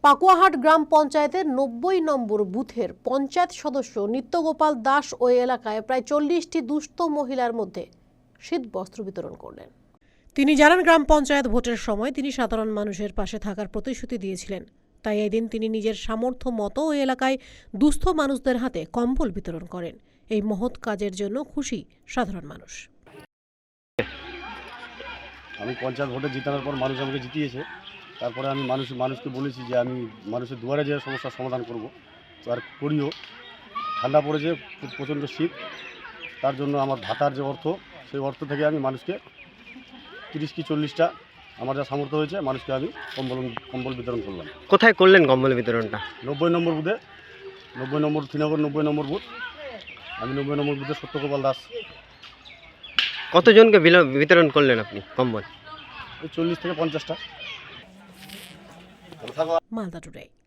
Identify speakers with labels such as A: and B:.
A: পাকুয়াহাট গ্রাম পঞ্চায়েতের ৯০ নম্বর বুথের পঞ্চায়েত সদস্য নিত্যগোপাল দাস ওই এলাকায় প্রায় ৪০টি দুস্থ মহিলার মধ্যে শীত বস্ত্র বিতরণ করলেন। তিনি জানান, গ্রাম পঞ্চায়েত ভোটের সময় তিনি সাধারণ মানুষের পাশে থাকার প্রতিশ্রুতি দিয়েছিলেন। তাই এদিন তিনি নিজের সামর্থ্য মতো ওই এলাকায় দুস্থ মানুষদের হাতে কম্বল বিতরণ করেন। এই মহৎ কাজের জন্য খুশি সাধারণ মানুষ।
B: আমি পঞ্চায়েত ভোটে জিতানোর পর মানুষ আমাকে জিতিয়েছে। তারপরে আমি মানুষকে বলেছি যে আমি মানুষের দুয়ারে যে সমস্যার সমাধান করব, তো আর করিও। ঠান্ডা পড়েছে, প্রচণ্ড শীত, তার জন্য আমার ভাতার যে অর্থ, সেই অর্থ থেকে আমি মানুষকে 30 কি 40টা আমার যা সামর্থ্য হয়েছে মানুষকে আমি কম্বল বিতরণ করলাম।
C: কোথায় করলেন কম্বল বিতরণটা?
B: ৯০ নম্বর বুথে, ৯০ নম্বর শ্রীনগর ৯০ নম্বর বুথ। আমি ৯০ নম্বর বুথে সত্যগোপাল দাস।
C: কতজনকে বিতরণ করলেন আপনি কম্বল?
B: 40 থেকে 50টা।
A: মালদা টুডে।